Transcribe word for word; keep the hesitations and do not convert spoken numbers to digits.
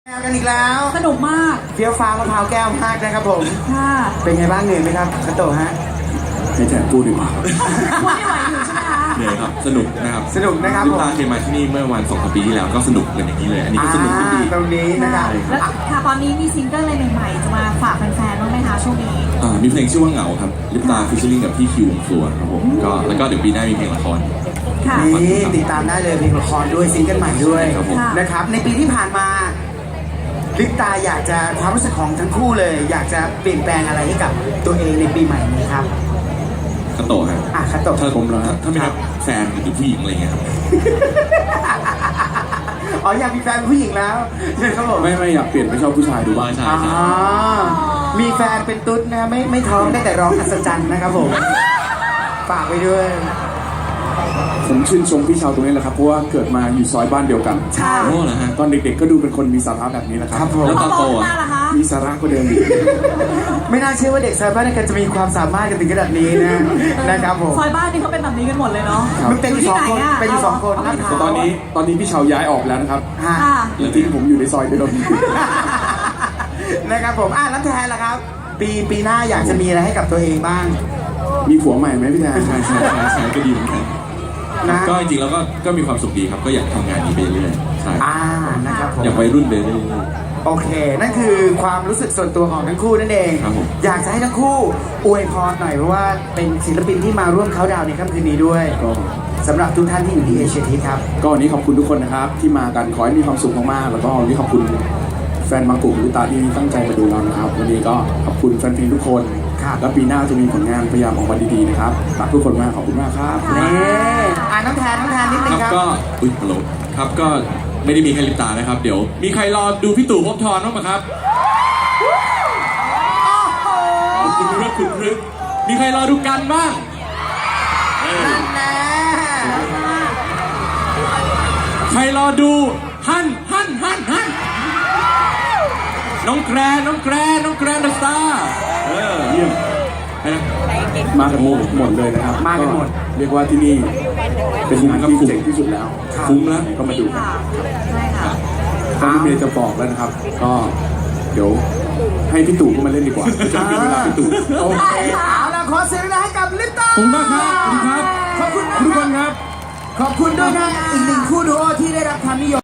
กันอีกแล้วสนุกมากเฟี้ยวฟ้ามะพร้าวแก้วมากนะครับผมค่ะเป็นไงบ้างเหนื่อยไหมครับคาโตะฮะให้แทนพูดดีกว่าพูดไม่ไหวอยู่ใช่ไหมคะเหนื่อยครับสนุกนะครับสนุกนะครับลิปตาเคยมาที่นี่เมื่อวันสองปีที่แล้วก็สนุกกันอย่างนี้เลยอันนี้ก็สนุกดีตรงนี้นะครับแล้วค่ะตอนนี้มีซิงเกิลอะไรใหม่ๆจะมาฝากแฟนๆบ้างไหมคะช่วงนี้มีเพลงชื่อว่าเหงาครับลิปตาฟิชเชอร์ลิงกับพี่คิววงฟลัวครับผมก็แล้วก็เดี๋ยวปีหน้ามีเพลงละครนี่ติดตามได้เลยเพลงละครด้วยซิงเกิลใหม่ด้วยนะครับในปีที่ผ่านมาลิปตาอยากจะความรู้สึกของทั้งคู่เลยอยากจะเปลี่ยนแปลงอะไรให้กับตัวเองในปีใหม่นี้ครับคาโตะครับอ่ะคาโตะถ้าผมแล้วถ้าไม่นับแฟนหรือผู้หญิงอะไรเงี้ยครับอ๋ออยากมีแฟนผู้หญิงแล้วใช่ครับผมไม่ไม่อยากเปลี่ยนไปชอบผู้ชายดูบ้างใช่ใช่มีแฟนเป็นตุ๊ดนะไม่ไม่ท้องได้แต่ร้องอัศจรรย์นะครับผมฝากไว้ด้วยผมชื่นชมพี่ชาวตรงนี้แหละครับเพราะว่าเกิดมาอยู่ซอยบ้านเดียวกันใช่โอ้เหรอฮะตอนเด็กๆก็ดูเป็นคนมีสาระแบบนี้แหละครับแล้วตอนโตมีสาระก็เดิมอีกไม่น่าเชื่อว่าเด็กซอยบ้านกันจะมีความสามารถกันถึงขนาดนี้นะนะครับผมซอยบ้านนี่เขาเป็นแบบนี้กันหมดเลยเนาะมันเป็นอยู่สองคนเป็นอยู่สองคนนะครับตอนนี้ตอนนี้พี่ชาวย้ายออกแล้วนะครับแล้วทิ้งผมอยู่ในซอยเดิมนะครับผมอ่ะแล้วแทนล่ะครับปีปีหน้าอยากจะมีอะไรให้กับตัวเองบ้างมีผัวใหม่ไหมพี่แทนใช่ใช่ใช่ก็ดีเหมือนกันก็จริงๆแล้วก็ก็มีความสุขดีครับก็อยากทำงานนี้ไปเรื่อยใช่อ่านะครับผมอยากไปรุ่นไปเรื่อยโอเคนั่นคือความรู้สึกส่วนตัวของทั้งคู่นั่นเองอยากจะให้ทั้งคู่อวยพรหน่อยเพราะว่าเป็นศิลปินที่มาร่วมเขาดาวในค่ำคืนนี้ด้วยสำหรับทุกท่านที่อยู่ที่เอเชียทีครับก็วันนี้ขอบคุณทุกคนนะครับที่มากันขอให้มีความสุขมากๆแล้วก็วันนี้ขอบคุณแฟนบางกลุ่มลิปตาที่ตั้งใจมาดูเรานะครับวันนี้ก็ขอบคุณแฟนเพลงทุกคนแล้วปีหน้าจะมีผลงานพยายามออกมาดีๆนะครับรักทุกคนมากขอบคุณมากครับนี่อ่านน้ำแทนน้ำแทนนิดนึงครับก็อุ้ยฮัลโหลครับก็ไม่ได้มีแค่ลิปตานะครับเดี๋ยวมีใครรอดูพี่ตู่ภพทรบ้างไหมครับคุณรึกคุณรึกมีใครรอดูกันบ้างนั่นแน่ใครรอดูฮั่นฮั่นฮั่นฮั่นน้องแกรนน้องแกรนน้องแกรนเดอะสตาร์เออเยี่ยมมากันหมดหมดเลยนะครับมากันหมดเรียกว่าที่นี่เป็นงานที่เจ๋งที่สุดแล้วคุ้มแล้วก็มาดูกันตอนนี้เมย์จะบอกแล้วนะครับก็เดี๋ยวให้พี่ตู่ก็มาเล่นดีกว่าจะมีเวลาพี่ตู่โอเคเอาล่ะขอเสียงให้กับลิปตาขอบคุณมากครับขอบคุณครับขอบคุณทุกคนครับขอบคุณด้วยนะอีกหนึ่งคู่ดูโอที่ได้รับความนิยม